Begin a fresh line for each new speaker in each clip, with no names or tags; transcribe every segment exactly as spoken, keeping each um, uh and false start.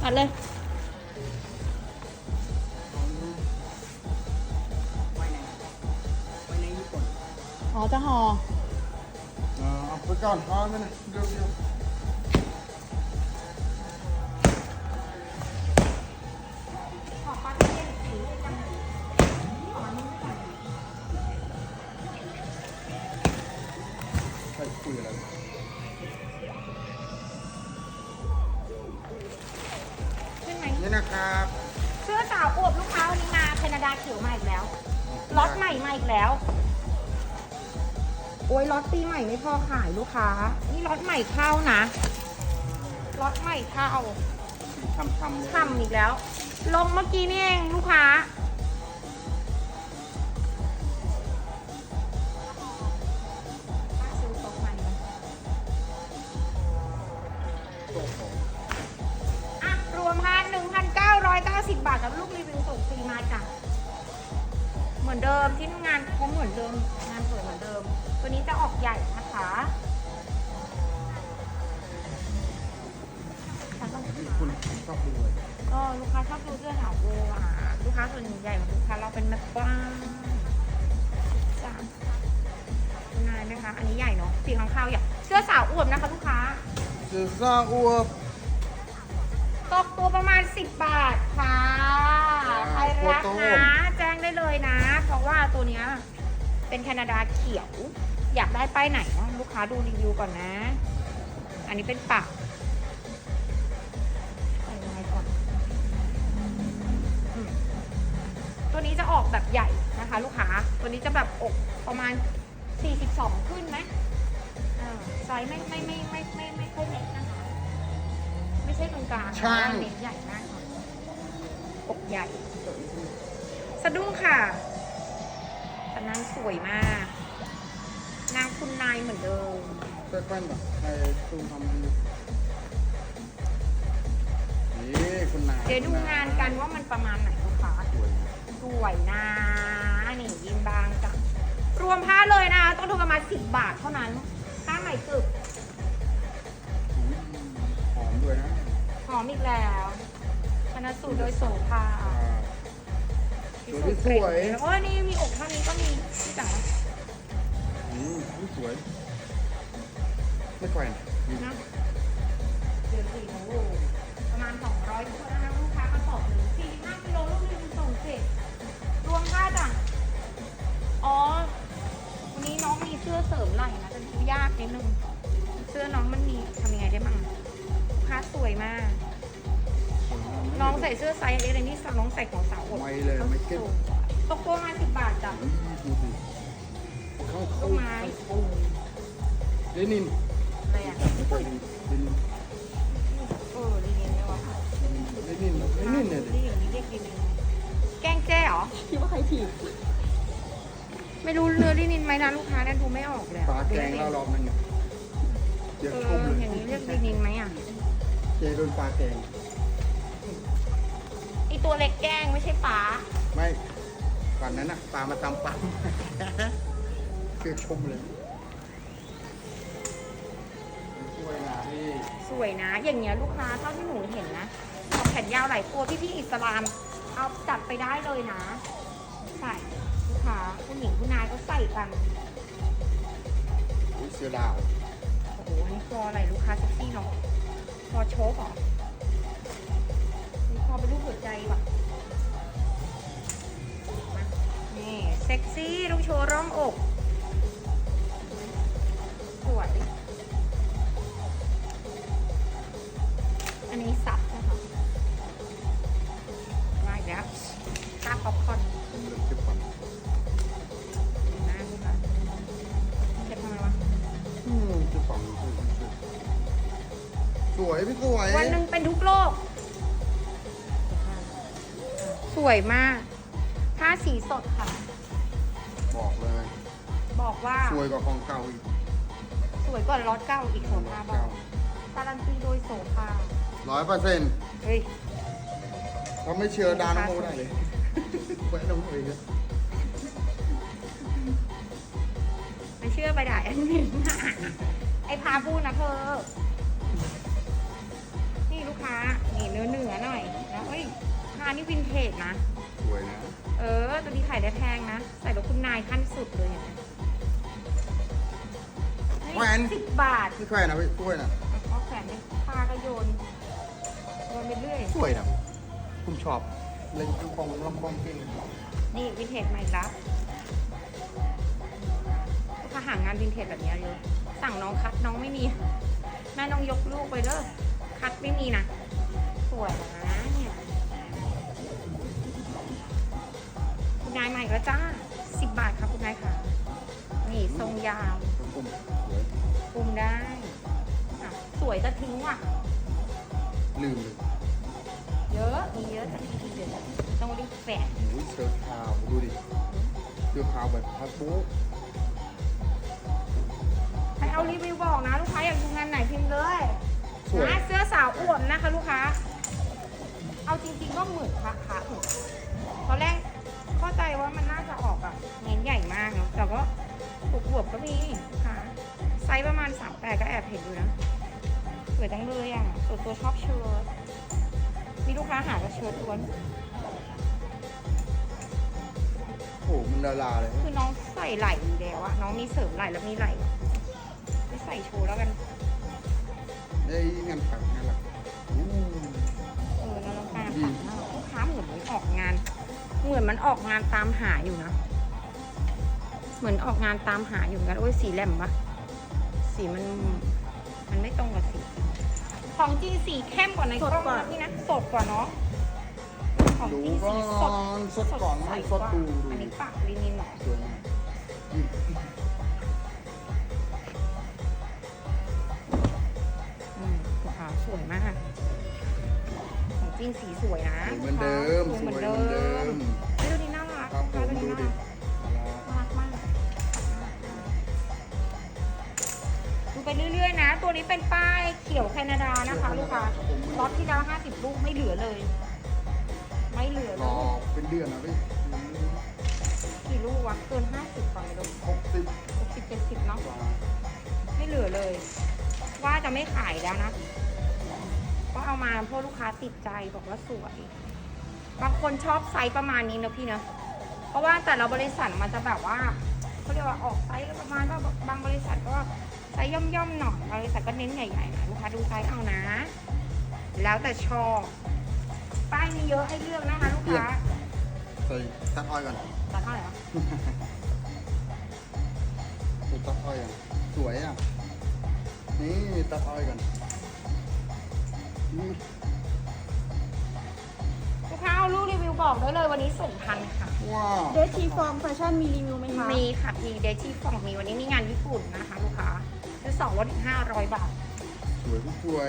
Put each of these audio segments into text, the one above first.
ตัดเลย
ไว้ในไว้ในญี่ปุ่น
อ๋อจะห่อ
เอาไปก่อนเอาไปเลยเดี๋ยวเดี๋ยวใครคุยอะไร
ขึ้นไหม
นี่นะครับ
เสื้อสาวอวบลูกค้าวันนี้มาแคนาดาเขียวมาอีกแล้วล็อตใหม่มาอีกแล้วโอ้ยล็อตปีใหม่ไม่พอขายลูกค้านี่ล็อตใหม่เข้านะล็อตใหม่เข้า
ทำทำเลย
ทำอีกแล้ว ลงเมื่อกี้นี่เองลูกค้าซื้อโต๊ะใหม่ไหมอ่ะรวมพันหนึ่งพันเก้าร้อยเก้าสิบบาทกับลูกรีวิวส่งฟรีมาจ้ะเหมือนเดิมที่งานเขาเหมือนเดิมงานสวยเหมือนเดิม ตัวนี้จะออกใหญ่นะคะฉันต้อง
คุณชอบดูเลย
ก็ลูกค้าชอบดูเสื้อหาวโบอ่ะลูกค้าส่วนใหญ่ของลูกค้าเราเป็นแม่บ้านจ้าคุณนายไหมคะ อันนี้ใหญ่เนาะสีข้างข้าวใหญ่เสื้อสาวอวบนะคะลูกค้า
เสื้อซ่าอวบ
ตกตัวประมาณสิบบาทค่ะใครรักนะแจ้งได้เลยนะ เพราะว่าตัวเนี้ยเป็นแคนาดาเขียว อยากได้ป้ายไหนเนาะลูกค้าดูรีวิวก่อนนะ อันนี้เป็นปักใส่ยังไงก่อนอืมตัวนี้จะออกแบบใหญ่นะคะ ลูกค้าตัวนี้จะแบบอกประมาณสี่สิบสองขึ้นไหมอ่าไซส์ไม่ไม่ไม่ไม่ไม่ไม่ค่อยเล็กนะคะ ไม่ใช่ตรงกลางนะเน้นใหญ่มากค่ะอกใหญ่ สะดุ้งค่ะแต่นางสวยมาก นางคุณนายเหมือนเดิม
เสื้อแป้นแบบใครตูนทำดีนี่คุณนาย
เดี๋ยวดูงานกันว่ามันประมาณไหนลูกค้า
สวย
สวยนะนี่ยินบางจ้ะรวมผ้าเลยนะต้องทุนประมาณสิบบาทเท่านั้นผ้าใหม่กึบ
หอมด้วยนะ
หอมอีกแล้วชนะสูตรโดยโสภา
สวยที่สวย
โอ้ยนี่มีอกเท่านี้ก็มีพี่จ๋า
อืมสวย ไม่แกว่ง
นะเดือนสี่โอ้โหประมาณสองร้อยตัวนะคะลูกค้ากระสอบหนึ่งสี่ห้ากิโลลูกหนึงส่งเสร็จรวมค่าจ้ะอ๋อวันนี้น้องมีเสื้อเสริมไหล่นะจะดูยากนิดนึงเสื้อน้องมันมีทำยังไงได้บ้างลูกค้าสวยมาก น้องใส่เสื้อไซส์เอสเลยนี่น้องใส่ของสาวอด
ไม่เลยไม่เก็บ
ตกตัวมาสิบบาทจ้ะ
ดูสิเข้า
ต้
เข้าน
ไม้
เลนิน
อะไรอ่ะ
ไม่ใช่เลนิน
เออดีเนียวะ
เลนินเลนินเนี่ย
นี่อย่างนี้เรียกดีนินแกล้งแจ้เหรอ
คิดว่าใครถีบ
ไม่รู้เรือลินินไหมนะลูกค้าเนี่ยดูไม่ออกเลย
ปลาแกงเรารอบนึงเนี่ยเดี๋ยว
เอ
ชม
อ
เลย
อย่างนี้เรียกลินินไหมอ่ะ
เจโดนปลาแกง
ไอตัวเล็กแกล้งไม่ใช่ป๋า
ไม่ก่อนนั้นน่ะปลามาตำปั๊มคือชมเลยช่วยนะพี่
สวยนะ อย่างเงี้ยลูกค้าเท่าที่หนูเห็นนะออกแขนยาวหลายตัวพี่พี่ๆอิสลาม เอาจัดไปได้เลยนะ ใส่ลูกค้าผู้หญิงผู้นายก็ใส่กัน
อุ๊ยเสือดาว
โอ้โหอันนี้คออะไรลูกค้าเซ็กซี่เนาะคอโชกเหรอมีคอเป็นรูปหัวใจว่ะมานี่เซ็กซี่ต้องโชว์ร่องอกสวยอันนี้ซับนะคะมาอีกแล้วค่าป๊อปคอร์น
เป็นเรื่องเก็บฝัน
หน้าลูกค้าเก็บทำไมวะ
อืมเก็บฝันสวยพี่สวย
วันหนึ่งเป็นทุกโลก สวยมาก ผ้าสีสดค่ะ
บอกเลย
บอกว่า
สวยกว่าของเก่าอีก
สวยกว่าล็อตเก้าอีกโสภาบอกการันตีโดยโสภา
ร้อยเปอร์เซ็นต์
เฮ้ย
เขาไม่เชื่อดาน้องโมได้เลยแหวนน้องโมเอง
ไม่เชื่อไปด่าแอดมิน ไอ้พาพูดนะเธอ นี่ลูกค้า นี่เนื้อเนื้อนี่วินเทจนะ
สวยนะ
เออ ตัวนี้ขายได้แพงนะ ใส่แบบคุณนายขั้นสุดเลยเห็นไหม
แหวน
สิบบาท
นี่แขวนนะพี่สวยนะ
เอาแขวนในผ้าก็โยนโยนไปเรื่อย
สวยนะผมชอบเล่นลำโพงลำโพงเก่ง
นี่วินเทจใหม่ละลูกค้าหางานวินเทจแบบนี้เยอะ สั่งน้องคัดน้องไม่มีแม่น้องยกลูกไปเด้อคัดไม่มีนะ สวยนะเนี่ยคุณนายใหม่แล้วจ้าสิบบาทครับคุณนายค่ะ นี่ทรงยาว
ผมสวย
คุมได้อ่ะสวยจะทิ้งว่ะ
ลืมเลย
เยอะ มีเยอะแต่ทีเดียวต้องรีบแฝง
โอ้ยเสื้อขาวดูดิเสื้อขาวแบบพัดปุ๊บ
ใครเอารีวิวบอกนะ ลูกค้าอยากดูงานไหนพิมพ์เลย
สวย
นะเสื้อสาวอวมนะคะ ลูกค้า เอาจริงๆก็เหมือนพระพระเหมือนตอนแรกเข้าใจว่ามันน่าจะออกแบบเน้นใหญ่มากเนาะแต่ก็อวบๆก็มีค่ะไซส์ประมาณสามแปดก็แอบเห็นอยู่นะสวยจังเลยอ่ะส่วนตัวชอบเชิ้ตมีลูกค้าหาก็เชิ้ตล้วน
โอ้โหมันละลาเลย
คือน้องใส่ไหล่อยู่แล้วอะน้องมีเสริมไหล่แล้วมีไหล่ไม่ใส่โชว์แล้วกัน
ได้งานถักงานหลักอู้
เออแล้วน้องการ
ดี
ปักหน้าลูกค้าเหมือนมันออกงาน เหมือนมันออกงานตามหาอยู่นะ เหมือนออกงานตามหาอยู่เหมือนกันโอ้ยสีแหลมปะสีมันมันไม่ตรงกับสีจริงของจริงสีเข้มกว่าในกล้องนะพี่นะสดกว่าเนาะของ
ดู
จริง
ก่
สี
อ
สด
นสดก่อนไม่สดดูดู
อันนี้ปักลินินหน่อย
สวยมากอืม
อืมลูกค้าสวยมาก ของจริงสีสวยนะ
สวยเหมือนเดิม
สวยเหมือน
สวย
เดิ
เหมือนเดิ
ม
ม
เฮ้ยดูดีน่ารัก
ครับผม
ดู
ดู
ดี
ดิ
น่ารักมากดูไปเรื่อยๆนะ ตัวนี้เป็นป้ายเขียวแคนาดานะคะ ลูกค้าล็อตที่แล้วห้าสิบลูกไม่เหลือเลย ไม่เหลือ
ร
เล
อย เป็นเดือนนะพี่
กี่ลูกวะเกินห้าสิบกว่าไม่รู้
หกสิบ
หกสิบเจ็ดสิบเนาะ
กว่า
ไม่เหลือเลย ว่าจะไม่ขายแล้วนะ ก็เอามาเพราะลูกค้าติดใจบอกว่าสวย บางคนชอบไซส์ประมาณนี้นะพี่นะ เพราะว่าแต่ละบริษัทมันจะแบบว่าเขาเรียกว่าออกไซส์ประมาณว่าบางบริษัทก็ไซส์ย่อมๆหน่อยบริษัทก็เน้นใหญ่ๆหน่อยลูกค้าดูไซส์เอานะ แล้วแต่ชอบ ป้ายมีเยอะให้เลือกนะคะ ลูกค้า
ใส่ตัดอ้อยก่อน
ตัดเท่าไหร่วะ
ใส่ตัดอ้อยอ่ะสวยอ่ะนี่ตัดอ้อยก่อนนี่
ลูกค้าเอารูปรีวิวบอกได้เลยวันนี้ส่งทันค่ะ
ว้าว
เดทีฟอร์มแฟชั่นมีรีวิวไหมคะ
มีค่ะ มีเดชี่ฟองมีวันนี้มีงานญี่ปุ่นนะคะ ลูกค้าซื้อสองลดอีกห้าร้อยบาท
สวยสวย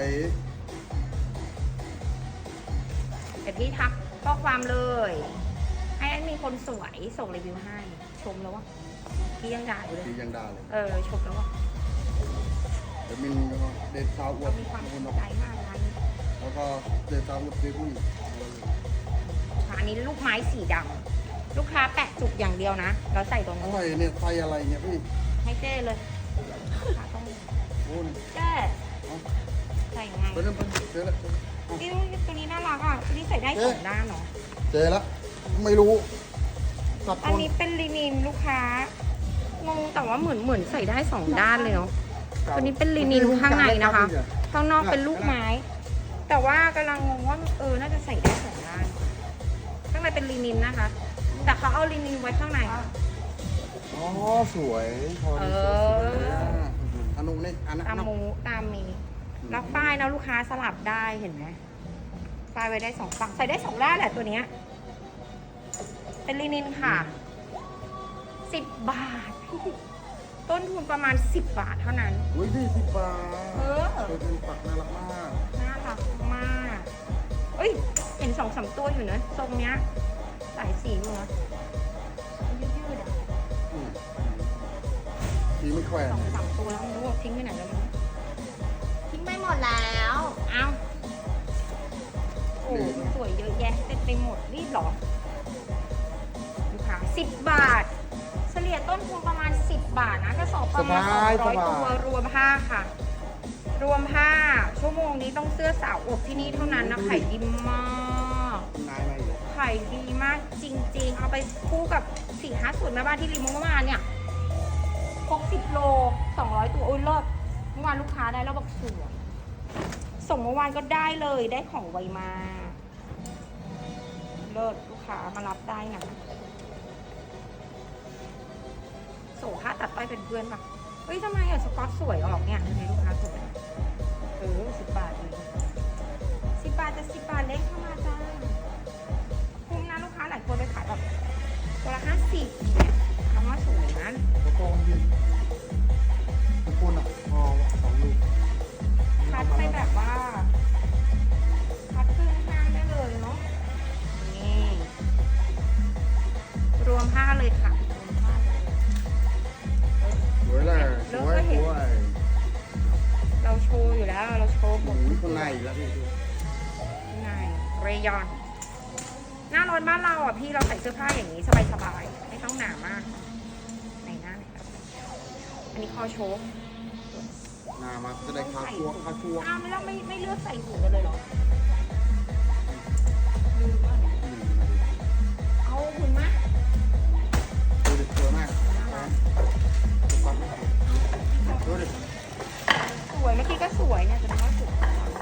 เดี๋ยวพี่ทักข้อความเลย ให้มีคนสวยส่งรีวิวให้ ชมแล้ววะพี่ยังด่าอยู่เลย
ดียังดาเลย
เออ ชมแล้ววะ
เดี๋ยวมีเดทสาวอว
เรา
ด
มีความ
ค
ส
น
น
ออก
ใจมากงานนี้
แล้วก็เดทสาวอวดซื้อผู้หญิง
อันนี้ลูกไม้สีดำลูกค้าแปะจุกอย่างเดียวนะ แล้วใส่ตรง
อะ
นี้
ไรเนี่ยไส้อะไรเนี่ยพี่
ให้เจ้เลยลูกค้าต้อง
โอ้ย
เจ้ใส่ยังไง
ไปเริ่มไปเจอแล้ว
นี่ตัวนี้น่ารักอ่ะตัวนี้ใส่ได้สองด้านเนาะ
เจอแล้วไม่รู้สับ
อัน
คน
นี้เป็นลินินลูกค้างงแต่ว่าเหมือนเหมือนใส่ได้สองด้านเลยเนาะ ตัวนี้เป็นลินินข้างในนะคะ ข้างนอกเป็นลูกไม้ แต่ว่ากำลังงงว่าเออน่าจะใส่ได้สองด้าน ข้างในเป็นลินินนะคะ แต่เขาเอาลินินไว้ข้างใน
อ๋อสวยพอดี
เอ
สวย
อ
ๆอ่ะอันนู้นนี่อันนั้น
ตามมูตามมีแล้วป้ายนะลูกค้าสลับได้เห็นไหมป้ายไว้ได้สองฝั่งใส่ได้สองด้านแหละตัวเนี้ยเป็นลินินค่ะสิบบาท ต้นทุนประมาณสิบบาทเท่านั้น
อุ้ยพี่สิบบาท
เออ
ตัวเป็นปักน่ารักมาก
น่ารักมากเอ้ย เห็นสองสามตัวอยู่เนอะทรงเนี้ย สายสีอยู่นะยืดๆอ่ะ
อืมพี่ไม่แขวน
สองสามตัวแล้วไม่รู้ว่าทิ้งไปไหนแล้วมั้งทิ้งไปหมดแล้ว เอ้า โอ้สวยเยอะแยะเต็มไปหมดรีบเหรอลูกค้าสิบบาท เฉลี่ยต้นทุนประมาณสิบบาทนะกระสอบประมาณสองร้อยตัวรวมผ้าค่ะ รวมผ้าชั่วโมงนี้ต้องเสื้อสาวอบที่นี่เท่านั้นนะขายดีมาก
นายอะไรอยู่
ขายดีมากจริงๆ เอาไปคู่กับสี่ห้าศูนย์แม่บ้านที่รีโมทเมื่อวานเนี่ยหกสิบโลสองร้อยตัวอุ้ยเลิศเมื่อวานลูกค้าได้แล้วบอกสวยส่งเมื่อวานก็ได้เลยได้ของไวมาเลิศลูกค้ามารับได้นะโสค่าตัดต้อยเป็นเพื่อนปะเฮ้ยทำไมอ่ะสก๊อตสวยออกเนี่ยทำไมลูกค้าสวยเออสิบบาทเลยสิบบาทจะสิบบาทเล็กเข้ามาจ้าคุ้มนะลูกค้าหลายคนไปขายแบบตัวละห้าสิบเนี่ยคำว่าสวยนะ
แล้วก็ยืนทุกคนอ่ะพอสองลูก
คัดไปแบบว่าคัดครึ่งข้างได้เลยเนาะนี่รวมผ้าเลยค่ะรวมผ้าเลย
สวยเลยสวยสวย
เราโชว์อยู่แล้วเราโชว์หม
ห
ด
มูข้างในแล้วพี่
ข้างในเรยอน หน้าร้อนบ้านเราอ่ะพี่เราใส่เสื้อผ้าอย่างนี้สบายๆไม่ต้องหนามากในหน้าไหนครับอันนี้คอโชว์
งามาจะได้คาชัวคาชัว
อ้าวไม่แล้วไม่ไม่เลือกใส่หูกันเลยเหรอลืมว่าเนี่ย
อืมมาดิ
เอาหุ่นมา
ดูดิสวยมากดูดิ
สวยเมื่อกี้ก็สวยเนี่ยจะว่าสวย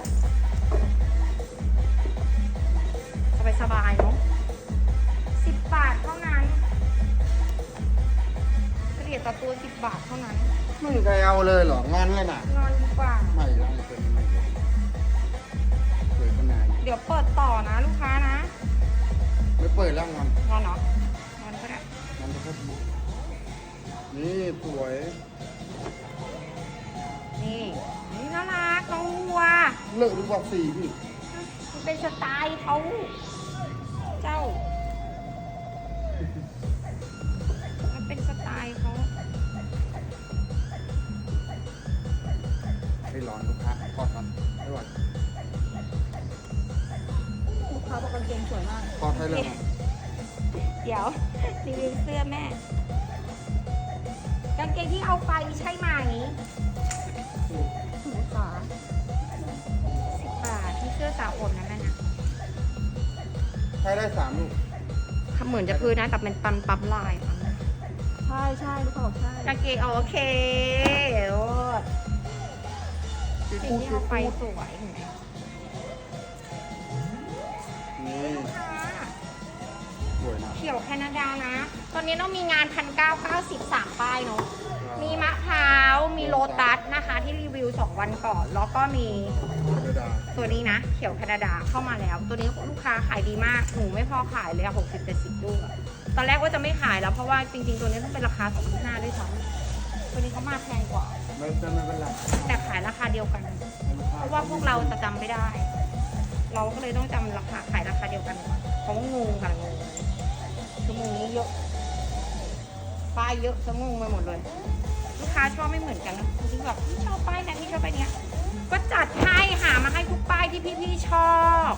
สบายสบายๆเนาะสิบบาทเท่านั้นเฉลี่ยต่อตัวสิบบาทเท่านั้น
ไม่มีใครเอาเลยเหรองอนเลยน่ะ
นอนดีกว่า
ไม่แล้วไอ้ตัวนี้ไม่สวยข้างใน
เดี๋ยวเปิดต่อนะลูกค้านะ
ไม่เปิดแล้วงอน
นอนเนาะนอนก็ได้
งอนจะพัดนี่สวย
นี่นี่น่ารักน้องวัว
เลิกดูบอกสีพี่
มันเป็นสไตล์เขาเจ้า มันเป็นสไตล์เขา
ให้ร้อนลูกค้าทอดก่อนไม่ไหว
ลูกค้าบอกกางเกงสวยมาก
ทอดให้เลยนะ
เดี๋ยวรีวิวเสื้อแม่ กางเกงที่เอาไปใช่ไหม
ลูกค้า
สิบบาทที่เสื้อสาวอมนะแม่นะ
ใช้ได้สามลูก
เหมือนจะพื้นนะแต่เป็นปั๊มปั๊มลายอะ
ใช่ใช่ลูกค้าบอกใช่
กางเกงเอาโอเคโอ้ย
ซี
สิ่ง
ฟู้ด
ที่
ซี
เอาไป
ฟู้ด
สวยเห็นไหม
นี่
ค่ะ
สวยนะ
เขียวแคนาดานะ ตอนนี้ต้องมีงานพันเก้าเก้าสิบสามป้ายเนาะ มีมะพร้าว มีโลตัสนะคะที่รีวิวสองวันก่อน แล้วก็มี
ธรรมดา
ตัวนี้นะ เขียวแคนาดาเข้ามาแล้ว ตัวนี้ลูกค้าขายดีมาก หนูไม่พอขายเลยอะหกสิบเจ็ดสิบลูกอะตอนแรกว่าจะไม่ขายแล้วเพราะว่าจริงๆ ตัวนี้ต้องเป็นราคาสองพันห้าด้วยซ้ำตัวนี้เขามาแพงกว่า
ไม่เป็นไม่เป็นไร
แต่ขายราคาเดียวกัน เพราะว่าพวกเราจะจำไม่ได้ เราก็เลยต้องจำราคาขายราคาเดียวกันก่อนเพราะว่างงค่ะงงชั่วโมงนี้เยอะป้ายเยอะจะงงไปหมดเลย ลูกค้าชอบไม่เหมือนกันนะบางทีแบบพี่ชอบป้ายนั้นพี่ชอบป้ายเนี้ย ก็จัดให้หามาให้ทุกป้ายที่พี่ๆชอบ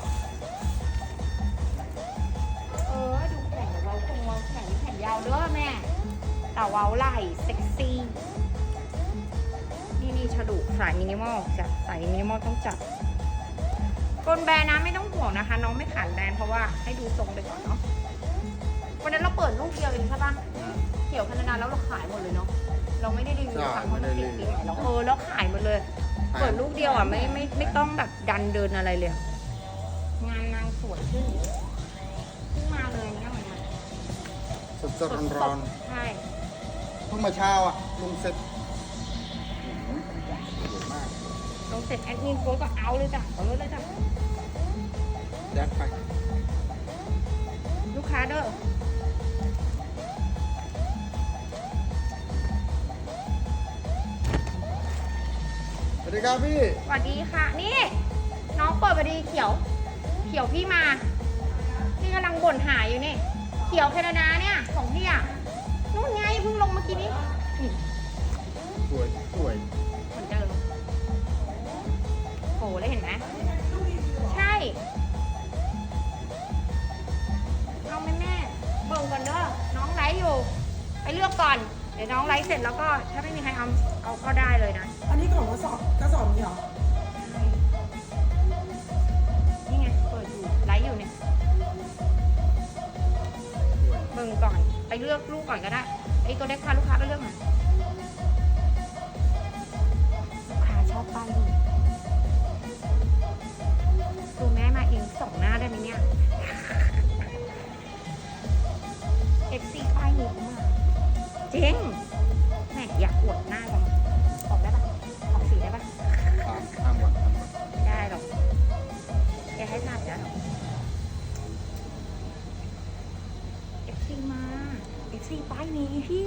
เออดูแข่งเว้าคงเว้าแข่งแข่งยาวเด้อแม่ แต่เว้าไหล่เซ็กซี่ นี่นี่ฉดุสายมินิมอลจัดสายมินิมอลต้องจัดกลแบรนด์นะไม่ต้องห่วงนะคะ น้องไม่ขายแบรนด์เพราะว่าให้ดูทรงไปก่อนเนาะวันนั้นเราเปิดลูกเดียวเองใช่ปะเขียวแคนาดาแล้วเราขายหมดเลยเนาะเราไม่ได้รีวิวครั้งเพราะมันปิดปีใหม่เราเออแล้วขายหมดเลย เปิดลูกเดียวอ่ะไม่ไม่ไม่ต้องแบบดันเดินอะไรเลย งานนางสวยขึ้นเพิ่งมาเลยเนี่ยวันนี้
สดสดร้อนร้อน
ใช่
ๆเพิ่งมาเช้าอ่ะลุงเสร็จอื้อหือสวยมาก
ลงเสร็จแอดมินโพสต์ก็เอาเลยจ้ะเอาเลยจ้ะ
ยัดไป
ลูกค้าเด้อ
สวัสดีครับพี่
สวัสดีค่ะ นี่ น้องเปิดพอดีเขียว เขียวพี่มา พี่กำลังบ่นหาอยู่นี่ เขียวแคนาดาเนี่ยของพี่อ่ะนู่นไงเพิ่งลงเมื่อกี้นี้นี่
สวยสวย
เหมือนเดิมโหเลยเห็นไหมใช่เอาไหมแม่เบิ่งก่อนเด้อน้องไลฟ์อยู่ ไปเลือกก่อน เดี๋ยวน้องไลฟ์เสร็จแล้วก็ถ้าไม่มีใครเอาเอาก็ได้เลยนะ
อันนี้ของกระสอบกระสอบนี้เหรอ
นี่ไงเปิดอยู่ไลฟ์อยู่เนี่ยไปเลือกลูกก่อนก็ได้ไอ้ตัวเล็กพาลูกค้าไปเลือกหน่อยลูกค้าชอบป้ายดีดูแม่มาเองสองหน้าได้ไหมเนี่ย เอฟ ซี ป้ายนี้เขามาจริงแหมอยากอวดหน้าจังออกได้ปะออกสีได้ปะ
ตามข้ามวันข้ามวัน
ไม่ได้หรอกแกให้ทานได้หรอ เอฟ ซี มา เอฟ ซี ป้ายนี้พี่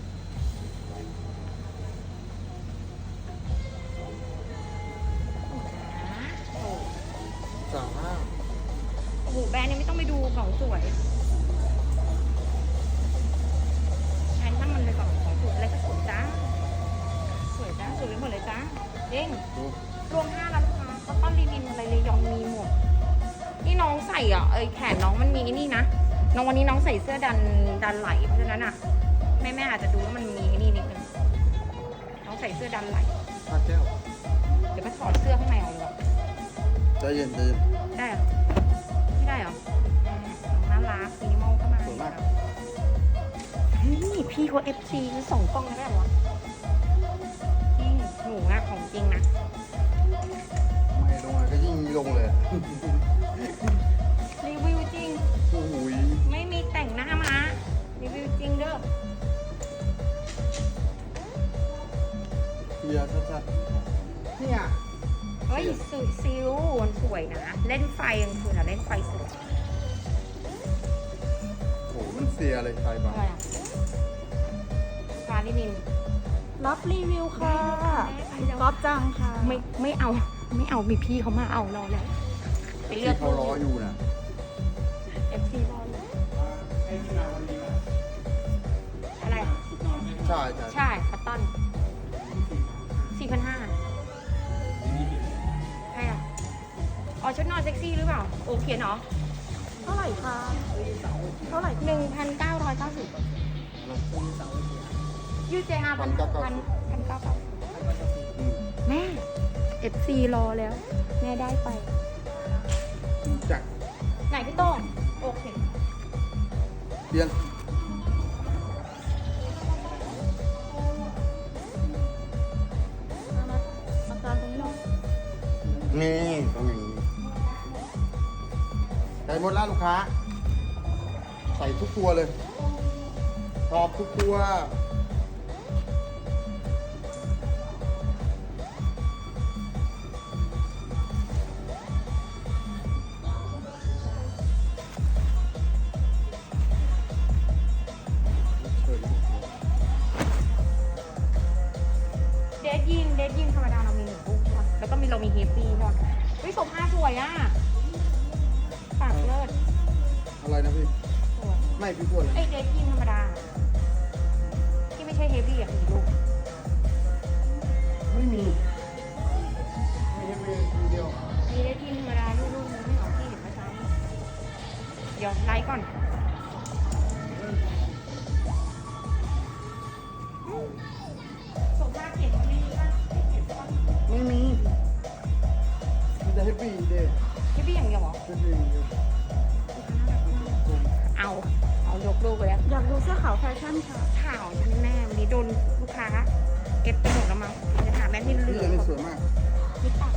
โอ้โห
จ้า
โอ้โหแบรนด์นี้ไม่ต้องไปดูของสวยแบรนด์ถ้ามันเลยของของสวยอะไรก็สวยจ้าสวยจ้าสวยไปหมดเลยจ้าเด้ง
ดู
รวมห้าแล้วลูกค้าเขาต้อนรีวินอะไรเลยยองมีหมดนี่น้องใส่อ่ะเอ้ยแขนน้องมันมีไอ้นี่นะน้องวันนี้น้องใส่เสื้อดันดันไหลเพราะฉะนั้นอ่ะแม่แม่อาจจะดูว่ามันมีไอ้นี่นิดนึงน้องใส่เสื้อดันไหล
ข้าแก้ว
เดี๋ยวไปถอดเสื้อข้างในออกดีกว่า
ใจเย็นใจเย็น
ได้เหรอไม่ได้เหรอแม่น้องน่ารักมินิมอลเข้ามา
สวยมาก
เฮ้ยพี่เขาเอฟซีคือส่งกล้องได้ไหมวะจริงหนูอะของจริงนะ
ไม่ลงเลยก็ยิ่งลงเลย
รีวิวจริง
โอ้ย
ไม่มีแต่งหน้ามารีวิวจริงเด้อ
เฮียชัดๆเนี่ย
เฮ้ยสุดซิลมันสวยนะ เล่นไฟกลางคืนอะเล่นไฟสวย
โอ้มันเสียอะไรไฟบ้าง
อะไรอะฟาลินิน
รับรีวิวค่ะก๊อฟจังค่ะ
ไม่ไม่เอา ไม่เอามีพี่เขามาเอาเราแล้วไปเลื
ที่
อก
เขารออยู่นะ
เอฟซีรอเลยอะไรอะ
ใช่ใช่
ใช่คัตตอนสี่พันห้าใครอะอ๋อชุดนอนเซ็กซี่หรือเปล่า โอเขียนเหรอ
เท่าไหร่คะเท่าไหร่
หนึ่งพันเก้าร้อยเก้าสิบยูเจอาพันพันพันเก้าเก้า
อืม
แม่ เอฟ ซี รอแล้ว แม่ได้ไป
จัก
ไหนพี่โต้งโอเค
เปลี่ยน
มามาอาการตรงนี้เนาะ
นี่ต้องอย่างนี้ใส่หมดแล้วลูกค้า ใส่ทุกตัวเลยชอบทุกตัว
เดทยิงเดทยิงธรรมดาเรามีหนึ่งลูกใช่ปะแล้วก็มีเรามีเฮฟวี่ใช่ปะเฮ้ยโซฟาสวยอ่ะปากเลิศ
อะไรนะพี่
สวย
ไม่พี่พูดเลย
เอ้ยเดทยิงธรรมดา ที่ไม่ใช่เฮฟวี่อ่ะมีลูก
ไม่มีมีแค่มีเดียว
มีเดทยิงธรรมดาลูกลูกนึงไม่เอาที่เห็นเมื่อเช้านี้เดี๋ยวไลฟ์ก่อนโซฟาเขียนไม่มีป่ะเขียนป่ะ
ไม่มีมีแต่แฮปปี้เดย์
เฮฟวี่อย่างเดียวเหรอ
แฮปปี้อย่างเดียว
เอา เอายกลูกไปแล้ว
อยากดูเสื้อขาวแฟชั่นค่ะ
ข่าวแน่ๆวันนี้โดนลูกค้าเก็บไปหมดแล้วมั้งจะถามแม่ที่เหลื
นี่
อ
อันนี้สวยมาก
นี่ตัด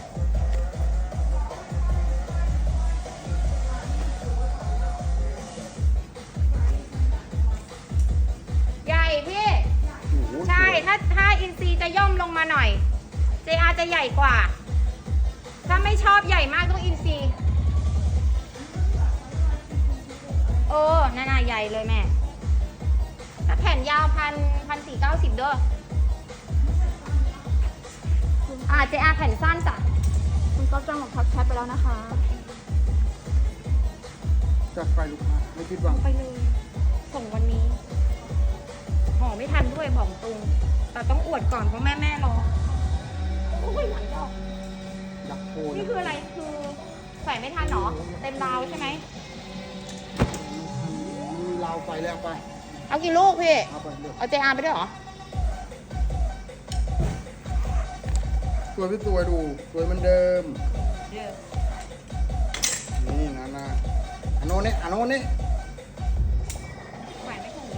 ใหญ่พี่
โอ้โห
ใช่
สวย
ถ้าถ้าอินซีจะย่อมลงมาหน่อย เจ อาร์ จะใหญ่กว่า ถ้าไม่ชอบใหญ่มากต้องอินซีเออน่าน่าใหญ่เลยแม่ ถ้าแขนยาวพันพันสี่เก้าสิบเด้ออ่าเจ อาร์ แขนสั้นจ้ะ
คุณก๊อฟจังบอกทักแชทไปแล้วนะคะ
จัดไปลูกค้าไม่คิดหวัง
ไปเลย ส่งวันนี้ห่อไม่ทันด้วยบอกตรงแต่ต้องอวดก่อนเพราะแม่แม่รอโอ้ยหลังออก
อยากโชว์
นี่
นะ
คืออะไรคือใส่ไม่ทันเหรอเต็มราวใช่ไหม
มีลาวไฟแล้วไป
เอากี่ลูกพี่
เอาไปเลือก
เอาเจอาร์ไปด้วยเหรอ
สวยพี่สวยดู สวยเหมือนเดิม
เดี๋ยว
นี่นะนะอันโน้นนี่อันโน้นนี่
แหวนไม่ถูก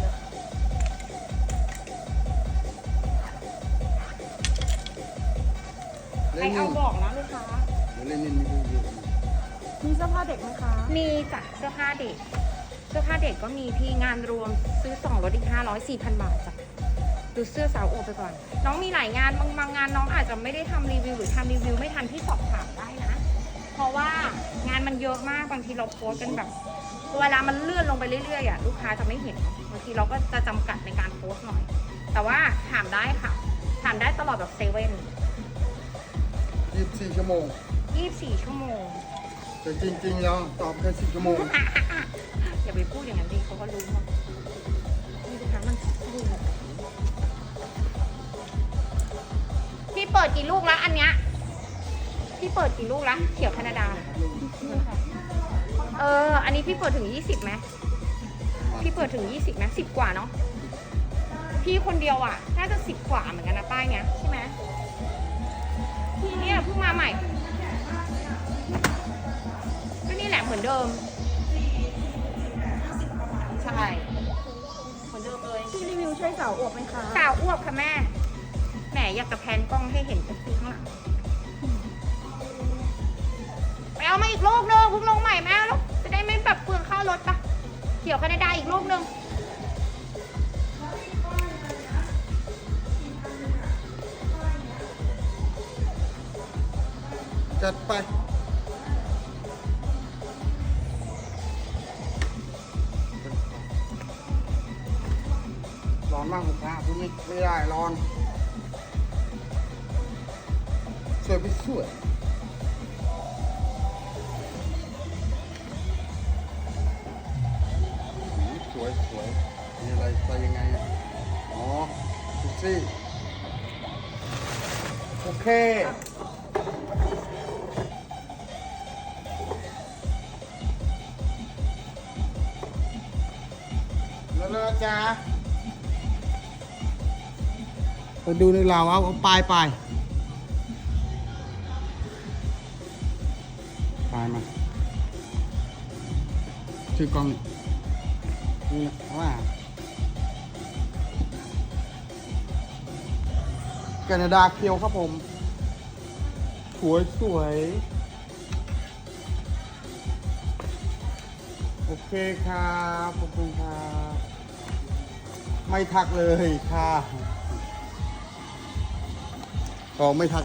รเอาบอกนะลูกค้า
เดี๋ยวเล่นนี่มีรีวิว
มีเสื้อผ้าเด็กไหมคะ
มีจ้ะเสื้อผ้าเด็ก เสื้อผ้าเด็กก็มีพี่งานรวมซื้อสองลดอีกห้าร้อยสี่พันบาทจ้ะดูเสื้อสาวโอไปก่อน น้องมีหลายงานบางบางงานน้องอาจจะไม่ได้ทำรีวิวหรือทำรีวิวไม่ทันที่สอบถามได้นะ เพราะว่างานมันเยอะมากบางทีเราโพสต์กันแบบเวลามันเลื่อนลงไปเรื่อยๆอ่ะลูกค้าจะไม่เห็นบางทีเราก็จะจำกัดในการโพสต์หน่อย แต่ว่าถามได้ค่ะ ถามได้ตลอดแบบเซเว่น
ยี่สิบสี่ชั่วโมง
ยี่สิบสี่ชั่วโมง
แต่จริงๆแล้วตอบแค่สิบชั่วโมง
อย่าไปพูดอย่างนั้นดิเขาก็รู้หมดนี่ลูกค้ามันดูพี่เปิดกี่ลูกแล้วอันเนี้ยพี่เปิดกี่ลูกแล้วเขียวแคนาดา เออ อันนี้พี่เปิดถึงยี่สิบไหมพี่เปิดถึงยี่สิบไหมสิบกว่าเนาะ พี่คนเดียวอ่ะ น่าจะสิบกว่าเหมือนกันนะป้ายเนี้ยใช่ไหมพี่เนี่ยเพิ่งมาใหม่ ก็นี่แหละเหมือนเดิม ใช่ เหมือนเดิมเลย
พี่รีวิวใช่สาวอวบไหมคะ
สาวอ้วกค่ะแม่ แหมอยากจะแพนกล้องให้เห็นจากข้างหลังไปเอามาอีกลูกนึงเพิ่งลงใหม่แม่แล้วจะได้ไม่แบบเปลืองค่ารถปะเขียวแคนาดาอีกลูกนึง
จัดไปร้อนมากลูกค้าพูดไม่ไม่ได้ร้อนสวยไปสวยหืมสวยสวยมีอะไรใส่ยังไงอะอ๋อดูสิโอเคแล้วเลยจ้าไปดูในเราเอาเอาปลายปลายปลายมาถือกล้องนี่นะว่าแคนาดาเคียวครับผม สวยสวยโอเคครับขอบคุณครับไม่ทักเลยค่ะก็ไม่ทัก